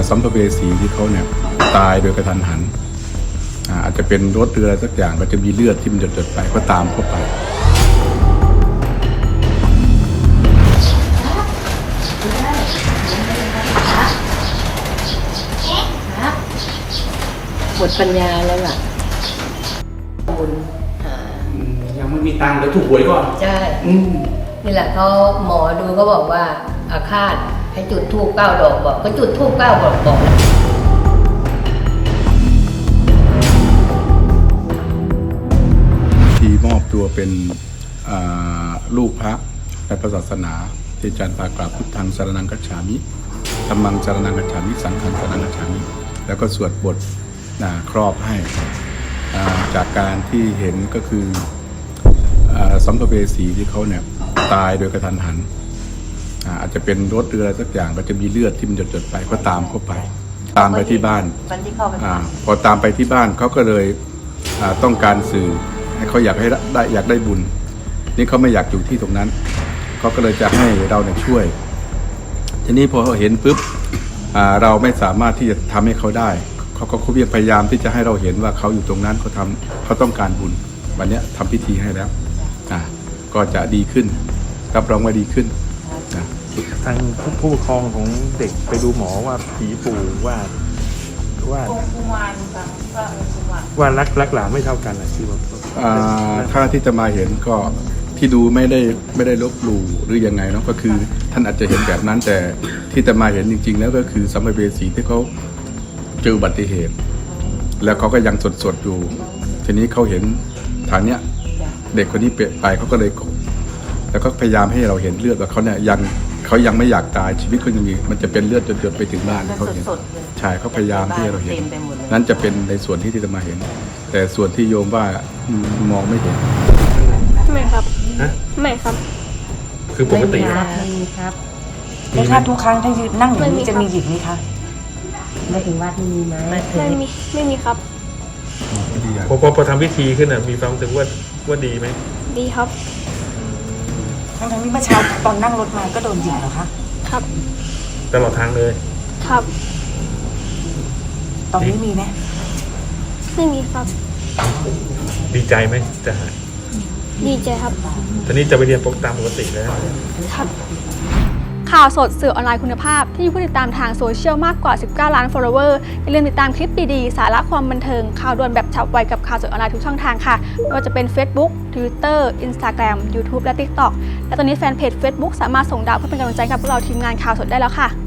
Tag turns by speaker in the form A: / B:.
A: สัมภเวสีที่เขาเนี่ยตายโดยกระทันหันอาจจะเป็นรถเรือสักอย่างก็จะมีเลือดที่มันหยดๆไปก็ตามเข้าไป
B: หมดปัญญาแล้วล่ะบุญ
C: ยังไม่มีตังค์เดี๋ยวถูกหวยก่อน
B: ใช่นี่แหละเขาหมอดูก็บอกว่าอาฆาตให้จุดธูป9 ดอกบอกก็จุดธูป9 ดอกบอก
A: ที่มอบตัวเป็นลูกพระในพระศาสนาที่อาจารย์ปากราบพุทธังสรณังคัจฉามิธัมมังสรณังคัจฉามิสังฆังสรณังคัจฉามิแล้วก็สวดบทครอบให้จากการที่เห็นก็คือสัมภเวสีที่เขาเนี่ยตายโดยกระทันหันอาจจะเป็นรถเรือสักอย่างก็จะมีเลือดที่มันหยดๆไปก็ตามเข้าไปตามไปที่บ้านพอตามไปที่บ้านเขาก็เลยต้องการสื่อให้เขาอยากได้บุญนี่เขาไม่อยากอยู่ที่ตรงนั้นเขาก็เลยจะให้เราเนี่ยช่วยทีนี้พอเขาเห็นปุ๊บเราไม่สามารถที่จะทำให้เขาได้เขาก็พยายามที่จะให้เราเห็นว่าเขาอยู่ตรงนั้นเขาต้องการบุญวันนี้ทำพิธีให้แล้วก็จะดีขึ้นรับรองว่าดีขึ้น
C: ทางผู้ปกครองของเด็กไปดูหมอว่าผีปู่ว่ารักหลานไม่เท่ากันนะที่ว่า
A: ถ้าที่จะมาเห็นก็ที่ดูไม่ได้ลบหลู่หรือยังไงเนาะก็คือท่านอาจจะเห็นแบบนั้นแต่ที่จะมาเห็นจริงๆแล้วก็คือสัมภเวสีที่เขาเจออุบัติเหตุแล้วเขาก็ยังสดอยู่ทีนี้เขาเห็นทางเนี้ยเด็กคนนี้เปลี่ยนไปเขาก็เลยแล้วก็พยายามให้เราเห็นเลือดว่าเขาเนี่ยเขายังไม่อยากตายชีวิตเขายังมีมันจะเป็นเลือดหยดไปถึงบ้านเขาเห็นใช่เขาพยายามที่เราเห็นนั้นจะเป็นในส่วนที่จะมาเห็นแต่ส่วนที่โยมว่ามองไม่เห็น
D: ไม่ครับไม่ครับ
C: คือปกติ
B: ครับ
E: ไม่ครับทุกครั้งถ้ายืนนั่งอย่างนี้จะมีหยิบไหมคะ
B: ไม่ถึงวัดมีไหม
D: ไม่มีครับ
C: พอทำพิธีขึ้นมีความรู้สึกว่าดีไหม
D: ดีครับ
E: ทั้งที่เมื่อเช้าตอนนั่งรถมาก็โดนหยิบเหรอคะ
D: ครับ
C: ตลอดทางเลย
D: ครับ
E: ตอนนี้มีไหม
D: ไม่มีครับ
C: ดีใจไหมจะหาย
D: ดีใจครับ
C: ตอนนี้จะไปเรียนตามปกติแล้ว
D: ครับข่าวสดสื่อออนไลน์คุณภาพที่มีผู้ติดตามทางโซเชียลมากกว่า19 ล้าน follower อย่าลืมติดตามคลิปดีๆสาระความบันเทิงข่าวด่วนแบบฉับไวกับข่าวสดออนไลน์ทุกช่องทางค่ะไม่ว่าจะเป็น Facebook Twitter Instagram YouTube และ TikTok และตอนนี้แฟนเพจ Facebook สามารถส่งดาวเพื่อเป็นกำลังใจกับพวกเราทีมงานข่าวสดได้แล้วค่ะ